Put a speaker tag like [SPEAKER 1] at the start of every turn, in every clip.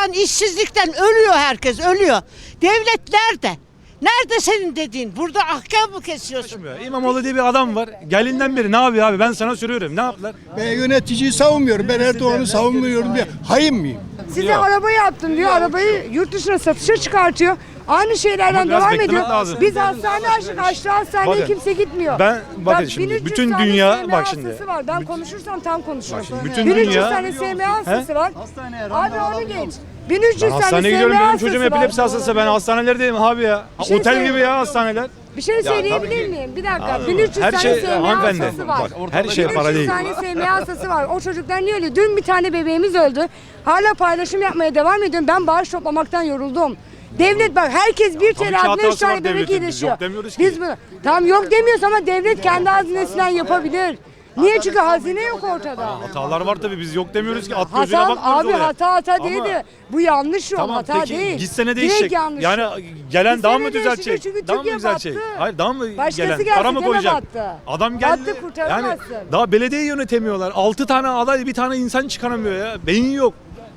[SPEAKER 1] açlıktan, işsizlikten ölüyor herkes, ölüyor. Devlet nerede? Nerede senin dediğin? Burada ahkam mı kesiyorsun?
[SPEAKER 2] İmamoğlu diye bir adam var. Gelinden beri ne yapıyor abi? Ben sana soruyorum. Ne yaptılar?
[SPEAKER 3] Ben yöneticiyi savunmuyorum. Ben Erdoğan'ı savunmuyorum diye. Hain miyim?
[SPEAKER 4] Size arabayı yaptım diyor. Arabayı yurt dışına satışa çıkartıyor. Aynı şeylerden
[SPEAKER 2] Ama biraz
[SPEAKER 4] devam
[SPEAKER 2] beklemek
[SPEAKER 4] ediyor.
[SPEAKER 2] lazım.
[SPEAKER 4] Biz hastane açtık. Açtı hastaneye
[SPEAKER 2] Bakın,
[SPEAKER 4] kimse gitmiyor.
[SPEAKER 2] bakın şimdi,
[SPEAKER 4] 1300
[SPEAKER 2] bütün
[SPEAKER 4] tane
[SPEAKER 2] dünya-
[SPEAKER 4] SMA
[SPEAKER 2] bak şimdi.
[SPEAKER 4] hastası var. Ben konuşursam tam konuşurum.
[SPEAKER 2] şimdi bütün
[SPEAKER 4] 1300
[SPEAKER 2] dünya-
[SPEAKER 4] tane SMA hastası var. Abi onu geç.
[SPEAKER 2] Ben
[SPEAKER 4] 1300 tane
[SPEAKER 2] hastaneye
[SPEAKER 4] SMA
[SPEAKER 2] gidiyorum. Benim
[SPEAKER 4] hastası
[SPEAKER 2] çocuğum
[SPEAKER 4] var.
[SPEAKER 2] epilepsi hastası. Ben hastanelerdeyim abi ya.
[SPEAKER 4] şey
[SPEAKER 2] Otel gibi
[SPEAKER 4] söyleyeyim.
[SPEAKER 2] ya hastaneler.
[SPEAKER 4] Bir şey söyleyebilir
[SPEAKER 2] tabii ki.
[SPEAKER 4] miyim? Bir dakika.
[SPEAKER 2] Anladın mı?
[SPEAKER 4] 1300
[SPEAKER 2] Her
[SPEAKER 4] tane
[SPEAKER 2] şey
[SPEAKER 4] SMA
[SPEAKER 2] hanımefendi.
[SPEAKER 4] hastası var.
[SPEAKER 2] Bak, her şey para
[SPEAKER 4] 1300
[SPEAKER 2] değil.
[SPEAKER 4] tane SMA hastası var. O çocuklar niye öyle? Dün bir tane bebeğimiz öldü. Hala paylaşım yapmaya devam ediyorum. Ben bağış toplamaktan yoruldum. Devlet bak herkes bir
[SPEAKER 2] tabii ki
[SPEAKER 4] TL adına 3
[SPEAKER 2] hatası var
[SPEAKER 4] tane bebek
[SPEAKER 2] devletin. Biz
[SPEAKER 4] iyileşiyor.
[SPEAKER 2] yok demiyoruz ki.
[SPEAKER 4] Biz bunu tamam yok demiyoruz ama devlet kendi hazinesinden yapabilir. Niye? Çünkü hazine yok ortada.
[SPEAKER 2] Hatalar var tabii. Biz yok demiyoruz ki. At gözüyle
[SPEAKER 4] Hata
[SPEAKER 2] bakmıyoruz
[SPEAKER 4] abi
[SPEAKER 2] olaya.
[SPEAKER 4] hata
[SPEAKER 2] Ama-
[SPEAKER 4] değil de bu yanlış yol
[SPEAKER 2] Tamam
[SPEAKER 4] hata
[SPEAKER 2] peki
[SPEAKER 4] değil.
[SPEAKER 2] gitsene
[SPEAKER 4] Direkt
[SPEAKER 2] değişecek.
[SPEAKER 4] yanlış
[SPEAKER 2] Yani
[SPEAKER 4] yol.
[SPEAKER 2] gelen daha mı
[SPEAKER 4] Gitsene
[SPEAKER 2] düzeltecek?
[SPEAKER 4] değişecek çünkü
[SPEAKER 2] Daha mı
[SPEAKER 4] Türkiye
[SPEAKER 2] düzeltecek?
[SPEAKER 4] battı.
[SPEAKER 2] Hayır daha mı
[SPEAKER 4] Başkası
[SPEAKER 2] gelen?
[SPEAKER 4] gelse
[SPEAKER 2] Para mı
[SPEAKER 4] gene
[SPEAKER 2] koyacak?
[SPEAKER 4] battı.
[SPEAKER 2] Adam geldi.
[SPEAKER 4] Battı, kurtaramazsın.
[SPEAKER 2] Daha belediye yönetemiyorlar. 6 tane aday bir tane insan çıkaramıyor ya. Beyin yok.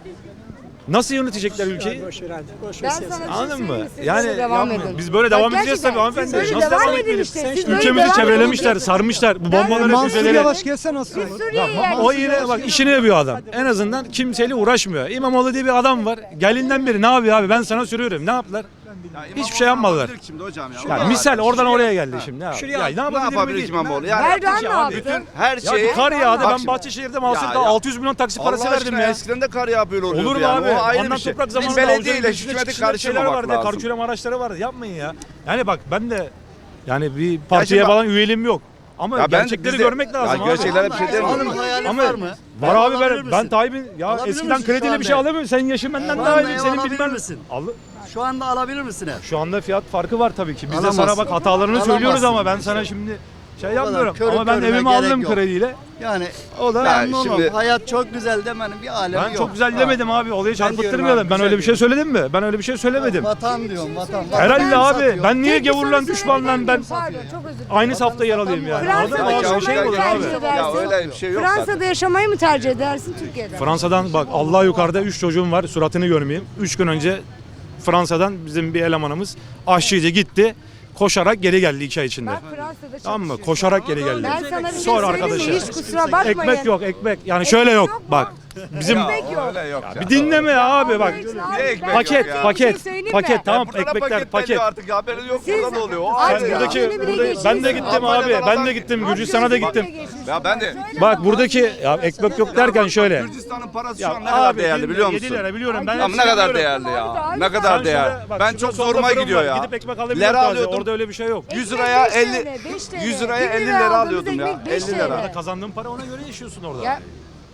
[SPEAKER 2] Nasıl yönetecekler ülkeyi?
[SPEAKER 4] Ben sana bir şey
[SPEAKER 2] Anladın mı?
[SPEAKER 4] söyleyeyim, siz
[SPEAKER 2] Yani
[SPEAKER 4] böyle devam
[SPEAKER 2] yapmayın.
[SPEAKER 4] edin.
[SPEAKER 2] Biz böyle
[SPEAKER 4] Bak
[SPEAKER 2] devam edeceğiz
[SPEAKER 4] gerçekten,
[SPEAKER 2] tabii hanımefendi.
[SPEAKER 4] siz böyle
[SPEAKER 2] Nasıl
[SPEAKER 4] devam
[SPEAKER 2] devam
[SPEAKER 4] edin
[SPEAKER 2] etmeyelim?
[SPEAKER 4] işte. Siz böyle
[SPEAKER 2] Ülkemizi
[SPEAKER 4] devam
[SPEAKER 2] çevrelemişler,
[SPEAKER 4] edin.
[SPEAKER 2] sarmışlar. Bu bombaları,
[SPEAKER 4] Mansur
[SPEAKER 2] füzeleri.
[SPEAKER 4] Yavaş
[SPEAKER 5] gelse nasıl
[SPEAKER 4] Biz
[SPEAKER 5] olur?
[SPEAKER 4] Suriye'ye
[SPEAKER 2] O
[SPEAKER 4] yerleştik.
[SPEAKER 2] yine bak işini yapıyor adam. En azından kimseyle uğraşmıyor. İmamoğlu diye bir adam var. Gelinden beri ne yapıyor abi? Ben sana soruyorum. Ne yaptılar? Hiçbir şey yapmadılar.
[SPEAKER 6] Şimdi hocam ya.
[SPEAKER 2] Ya misal oradan oraya geldi şimdi. Ya,
[SPEAKER 5] Şuraya-
[SPEAKER 2] ya
[SPEAKER 6] Ne yapabilir İmamoğlu? Yani
[SPEAKER 4] Erdoğan ne
[SPEAKER 2] abi?
[SPEAKER 4] yaptı?
[SPEAKER 6] her
[SPEAKER 2] Ya
[SPEAKER 6] şeyi...
[SPEAKER 2] bir kar yağdı.
[SPEAKER 6] Bak
[SPEAKER 2] Ben
[SPEAKER 6] şimdi.
[SPEAKER 2] Bahçeşehir'de Mahsır'da
[SPEAKER 6] Ya,
[SPEAKER 2] 600 milyon taksi parası
[SPEAKER 6] Allah
[SPEAKER 2] verdim
[SPEAKER 6] aşkına
[SPEAKER 2] ya.
[SPEAKER 6] eskiden de kar yağ böyle oluyordu
[SPEAKER 2] Olur mu
[SPEAKER 6] yani.
[SPEAKER 2] abi?
[SPEAKER 6] O ayrı
[SPEAKER 2] Ondan
[SPEAKER 6] bir şey.
[SPEAKER 2] toprak
[SPEAKER 6] Biz
[SPEAKER 2] zamanında
[SPEAKER 6] belediyeyle
[SPEAKER 2] avucunun
[SPEAKER 6] hükümeti
[SPEAKER 2] içinde şeyler
[SPEAKER 6] karıştırmamak
[SPEAKER 2] vardı.
[SPEAKER 6] lazım.
[SPEAKER 2] Karkürem araçları vardı. Yapmayın ya. Yani bak ben de yani bir partiye
[SPEAKER 6] şimdi bak-
[SPEAKER 2] falan üyeliğim yok. Ama
[SPEAKER 6] Ya ben
[SPEAKER 2] gerçekleri
[SPEAKER 6] biz de-
[SPEAKER 2] görmek lazım
[SPEAKER 6] Ya
[SPEAKER 2] abi.
[SPEAKER 6] gerçeklere bir şey demiyorum.
[SPEAKER 2] Ama var abi ben Tayyip'in ya eskiden krediyle bir şey alamıyorum. Senin yaşın benden daha iyi. Senin bilmem. Al.
[SPEAKER 7] Şu anda alabilir misin ev?
[SPEAKER 2] Şu anda fiyat farkı var tabii ki. Biz de
[SPEAKER 7] Alamazsın.
[SPEAKER 2] sana bak hatalarını
[SPEAKER 7] Alamazsın.
[SPEAKER 2] söylüyoruz ama ben sana şimdi şey yapmıyorum.
[SPEAKER 7] körü
[SPEAKER 2] Ama ben
[SPEAKER 7] körüne
[SPEAKER 2] evimi
[SPEAKER 7] gerek
[SPEAKER 2] aldım
[SPEAKER 7] yok.
[SPEAKER 2] krediyle.
[SPEAKER 7] Yani
[SPEAKER 2] O da
[SPEAKER 7] memnunum.
[SPEAKER 6] şimdi-
[SPEAKER 7] Hayat çok güzel demenin bir alemi
[SPEAKER 2] ben
[SPEAKER 7] yok.
[SPEAKER 2] çok güzel demedim abi. Olayı
[SPEAKER 7] diyorum
[SPEAKER 2] çarpıttırmayalım.
[SPEAKER 7] abi,
[SPEAKER 2] Ben
[SPEAKER 7] güzel
[SPEAKER 2] öyle bir şey söyledim mi? Ben öyle bir şey söylemedim.
[SPEAKER 7] Vatan diyorum vatan.
[SPEAKER 2] Herhalde
[SPEAKER 7] Vatan
[SPEAKER 2] abi.
[SPEAKER 7] satıyor.
[SPEAKER 2] Ben niye
[SPEAKER 4] Tek bir soru
[SPEAKER 2] gavurlan düşmanlan
[SPEAKER 4] sorabilir
[SPEAKER 2] ben
[SPEAKER 4] miyim? Pardon, çok özür dilerim.
[SPEAKER 2] aynı safta yer alayım yani.
[SPEAKER 4] Fransa'da
[SPEAKER 2] Anladın mı?
[SPEAKER 4] yaşamayı
[SPEAKER 2] Şey olur
[SPEAKER 4] tercih
[SPEAKER 2] abi.
[SPEAKER 4] edersin.
[SPEAKER 6] Ya öyle bir şey yok
[SPEAKER 4] Fransa'da yaşamayı mı tercih edersin Türkiye'de?
[SPEAKER 2] Fransa'dan bak Allah yukarıda 3 çocuğum var. Suratını görmeyeyim. 3 gün önce Fransa'dan bizim bir elemanımız aşçıydı gitti. Koşarak geri geldi 2 ay içinde.
[SPEAKER 4] Bak Fransa'da
[SPEAKER 2] Tamam mı?
[SPEAKER 4] çalışıyorsun.
[SPEAKER 2] Koşarak geri geldi.
[SPEAKER 4] Ben sana bir şey
[SPEAKER 2] Sor
[SPEAKER 4] söyleyeyim mi?
[SPEAKER 2] arkadaşa.
[SPEAKER 4] Hiç kusura bakmayın.
[SPEAKER 2] Ekmek yok ekmek. Yani şöyle yok.
[SPEAKER 4] yok mu?
[SPEAKER 2] Bak bizim
[SPEAKER 4] Ekmek yok.
[SPEAKER 6] Öyle yok ya.
[SPEAKER 2] bir dinleme abi bak.
[SPEAKER 6] Niye ekmek
[SPEAKER 2] Paket
[SPEAKER 6] yok ya?
[SPEAKER 2] paket
[SPEAKER 4] Bir şey söyleyeyim mi?
[SPEAKER 2] paket tamam
[SPEAKER 6] Burada da
[SPEAKER 2] ekmekler paket.
[SPEAKER 6] paket artık ya. Haberi yok
[SPEAKER 4] Siz-
[SPEAKER 6] burada da oluyor. O
[SPEAKER 4] Abi,
[SPEAKER 6] ayrı
[SPEAKER 2] Sen
[SPEAKER 6] ya.
[SPEAKER 2] buradaki
[SPEAKER 4] Gözünü bile
[SPEAKER 2] burada, ben de
[SPEAKER 4] geçiyorsun.
[SPEAKER 2] gittim abi. Ben de gittim. Gürcistan'a da gittim.
[SPEAKER 6] Ya ben de.
[SPEAKER 2] Bak buradaki ya ekmek yok derken şöyle.
[SPEAKER 6] Gürcistan'ın parası
[SPEAKER 2] Ya
[SPEAKER 6] şu an ne kadar
[SPEAKER 2] abi,
[SPEAKER 6] değerli biliyor
[SPEAKER 2] 7
[SPEAKER 6] musun?
[SPEAKER 2] lira biliyorum. Ben
[SPEAKER 6] Ama
[SPEAKER 2] hepsini
[SPEAKER 6] ne kadar
[SPEAKER 2] biliyorum.
[SPEAKER 6] değerli ya.
[SPEAKER 4] Abi,
[SPEAKER 6] Ne
[SPEAKER 4] abi,
[SPEAKER 6] kadar
[SPEAKER 2] Sen
[SPEAKER 6] değerli.
[SPEAKER 2] şurada bak,
[SPEAKER 6] Ben
[SPEAKER 2] şurada
[SPEAKER 6] çok
[SPEAKER 2] solda
[SPEAKER 6] zoruma
[SPEAKER 2] fırın
[SPEAKER 6] gidiyor
[SPEAKER 2] var.
[SPEAKER 6] ya.
[SPEAKER 2] Gidip ekmek alabiliyorum
[SPEAKER 6] Lira
[SPEAKER 2] taze.
[SPEAKER 6] alıyordum.
[SPEAKER 2] Orada öyle bir şey yok.
[SPEAKER 6] 100 liraya
[SPEAKER 4] 5
[SPEAKER 6] 50
[SPEAKER 4] TL, 5 TL.
[SPEAKER 6] 100 liraya
[SPEAKER 4] 1
[SPEAKER 6] 50
[SPEAKER 4] lira
[SPEAKER 6] lira
[SPEAKER 4] aldığımız
[SPEAKER 6] alıyordum ya.
[SPEAKER 4] ekmek 5
[SPEAKER 6] 50 lira.
[SPEAKER 4] TL.
[SPEAKER 2] Kazandığın para ona göre yaşıyorsun orada.
[SPEAKER 4] Ya,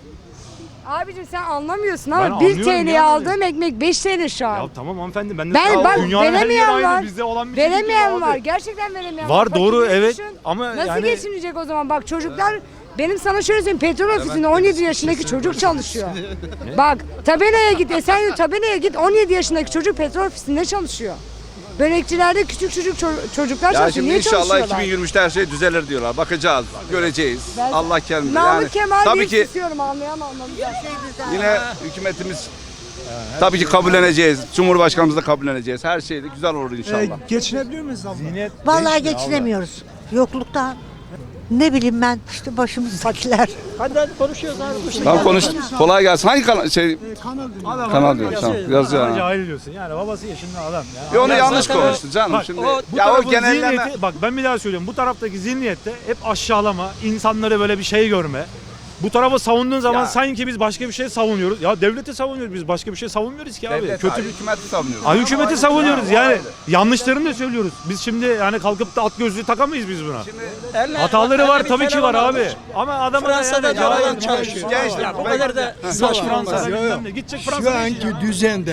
[SPEAKER 4] abicim sen anlamıyorsun
[SPEAKER 2] Ben
[SPEAKER 4] ama 1
[SPEAKER 2] anlıyorum
[SPEAKER 4] TL'ye
[SPEAKER 2] ya.
[SPEAKER 4] aldığım ekmek 5 TL şu an.
[SPEAKER 2] Ya tamam hanımefendi ben de
[SPEAKER 4] Ben bak
[SPEAKER 2] dünyanın her yeri
[SPEAKER 4] veremeyen
[SPEAKER 2] aynı.
[SPEAKER 4] var.
[SPEAKER 2] Bizde olan bir şey değil
[SPEAKER 4] Veremeyen
[SPEAKER 2] abi.
[SPEAKER 4] var. Gerçekten veremeyen
[SPEAKER 2] Var, doğru,
[SPEAKER 4] Fakirleri
[SPEAKER 2] evet.
[SPEAKER 4] düşün.
[SPEAKER 2] Ama
[SPEAKER 4] nasıl
[SPEAKER 2] yani-
[SPEAKER 4] geçinecek o zaman? Bak çocuklar benim sana şöyle söyleyeyim petrol ofisinde 17 yaşındaki çocuk çalışıyor. Bak tabelaya git Esenyurt tabelaya git 17 yaşındaki çocuk petrol ofisinde çalışıyor. Börekçilerde küçük çocuklar
[SPEAKER 6] Ya
[SPEAKER 4] çalışıyor.
[SPEAKER 6] şimdi
[SPEAKER 4] Niye
[SPEAKER 6] inşallah
[SPEAKER 4] çalışıyorlar?
[SPEAKER 6] 2023'te her şey düzelir diyorlar. Bakacağız, göreceğiz.
[SPEAKER 4] Ben-
[SPEAKER 6] Allah kendimize.
[SPEAKER 4] Namık
[SPEAKER 6] Yani
[SPEAKER 4] Kemal
[SPEAKER 6] tabii
[SPEAKER 4] diye
[SPEAKER 6] ki
[SPEAKER 4] susuyorum anlayan anlamayacak.
[SPEAKER 6] yine hükümetimiz tabii ki kabulleneceğiz. Cumhurbaşkanımızı da kabulleneceğiz. Her şey de güzel olur inşallah.
[SPEAKER 5] Geçinebiliyor muyuz abla?
[SPEAKER 2] Zihniyet
[SPEAKER 8] Vallahi
[SPEAKER 2] değişmiyor
[SPEAKER 8] geçinemiyoruz. Yokluktan. Ne bileyim ben işte başımızdakiler.
[SPEAKER 5] Hadi konuşuyoruz abi.
[SPEAKER 6] Tamam konuş. Kolay gelsin. Hangi kanal
[SPEAKER 2] Adam
[SPEAKER 6] kanal
[SPEAKER 2] adam
[SPEAKER 6] diyor.
[SPEAKER 2] yazıyor.
[SPEAKER 6] Tamam. Yazıyor.
[SPEAKER 2] Adama
[SPEAKER 6] ha.
[SPEAKER 2] cahil diyorsun. Yani babası yaşında adam. Ya.
[SPEAKER 6] Ya onu
[SPEAKER 2] Adam
[SPEAKER 6] yanlış
[SPEAKER 2] zaten-
[SPEAKER 6] konuştu canım
[SPEAKER 2] Bak,
[SPEAKER 6] şimdi.
[SPEAKER 2] Bu
[SPEAKER 6] Ya o
[SPEAKER 2] tarafın
[SPEAKER 6] genelleme.
[SPEAKER 2] zihniyeti, bak ben bir daha söylüyorum. Bu taraftaki zihniyette hep aşağılama, insanları böyle bir şey görme. Bu tarafı savunduğun zaman
[SPEAKER 6] Ya.
[SPEAKER 2] sanki biz başka bir şey savunuyoruz. Ya devleti savunuyoruz biz başka bir şey savunmuyoruz ki abi.
[SPEAKER 6] Devlet,
[SPEAKER 2] Kötü
[SPEAKER 6] hükümeti savunuyoruz.
[SPEAKER 2] hükümeti savunuyoruz
[SPEAKER 6] Ha, o
[SPEAKER 2] yani
[SPEAKER 6] ayrı.
[SPEAKER 2] yanlışlarını da söylüyoruz. Biz şimdi yani kalkıp da at gözlüğü takamayız biz buna.
[SPEAKER 6] Şimdi
[SPEAKER 2] Hataları var tabii ki var abi. Ama adamı da
[SPEAKER 5] Fransa'da
[SPEAKER 2] yani
[SPEAKER 5] adam
[SPEAKER 2] cahil-
[SPEAKER 5] çalışıyor.
[SPEAKER 6] Gençler,
[SPEAKER 5] Ya bu kadar da
[SPEAKER 2] Fransa'da
[SPEAKER 3] Yok, yok.
[SPEAKER 2] bilmem ne. Gidecek
[SPEAKER 3] Şu
[SPEAKER 2] Fransa'da
[SPEAKER 3] anki
[SPEAKER 2] yaşayacak.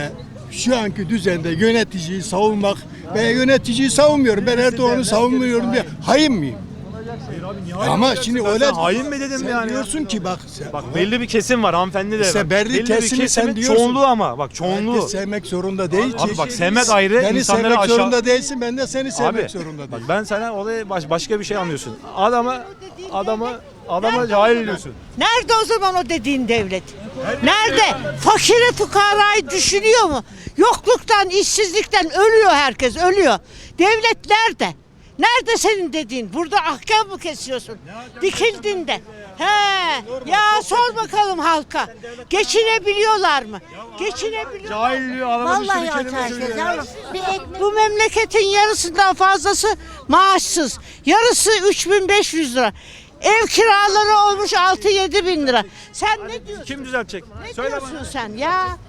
[SPEAKER 3] düzende yöneticiyi savunmak, ben yöneticiyi savunmuyorum. Ben Erdoğan'ı savunmuyorum diye hain miyim? Ama şimdi
[SPEAKER 2] Ben
[SPEAKER 3] öyle
[SPEAKER 2] sana hain mi dedim
[SPEAKER 3] sen
[SPEAKER 2] yani?
[SPEAKER 3] diyorsun ki bak
[SPEAKER 2] Bak belli bir kesim var hanımefendi de.
[SPEAKER 3] İşte
[SPEAKER 2] bak.
[SPEAKER 3] belli
[SPEAKER 2] bir
[SPEAKER 3] kesimi sen
[SPEAKER 2] kesimin
[SPEAKER 3] diyorsun.
[SPEAKER 2] çoğunluğu ama bak çoğunluğu.
[SPEAKER 3] herkes sevmek zorunda değil ki.
[SPEAKER 2] Abi bak sevmek ayrı,
[SPEAKER 3] Beni
[SPEAKER 2] insanları
[SPEAKER 3] sevmek
[SPEAKER 2] aşağı...
[SPEAKER 3] zorunda değilsin, ben de seni sevmek
[SPEAKER 2] Abi
[SPEAKER 3] zorunda
[SPEAKER 2] bak
[SPEAKER 3] değilim.
[SPEAKER 2] ben sana olayı başka bir şey anlıyorsun. Adamı Adama cahil diyorsun.
[SPEAKER 1] Nerede o zaman o dediğin devlet? Nerede? Fakiri fukarayı düşünüyor mu? Yokluktan, işsizlikten ölüyor herkes, ölüyor. Devlet nerede? Nerede senin dediğin? Burada ahkam mı kesiyorsun? Dikildin de. He. Ya sor bakalım halka. Geçinebiliyorlar mı? Geçinebiliyorlar.
[SPEAKER 2] Cahil diyor adama bir
[SPEAKER 8] Vallahi
[SPEAKER 2] sürü kelime
[SPEAKER 8] açar
[SPEAKER 2] söylüyor.
[SPEAKER 8] yavrum. Bir ekmek
[SPEAKER 1] Bu memleketin yarısından fazlası maaşsız. Yarısı 3.500 lira. Ev kiraları olmuş 6-7 bin lira. Sen ne diyorsun?
[SPEAKER 2] Kim düzeltecek?
[SPEAKER 1] Ne
[SPEAKER 2] Söyle
[SPEAKER 1] diyorsun
[SPEAKER 2] bana.
[SPEAKER 1] sen ya?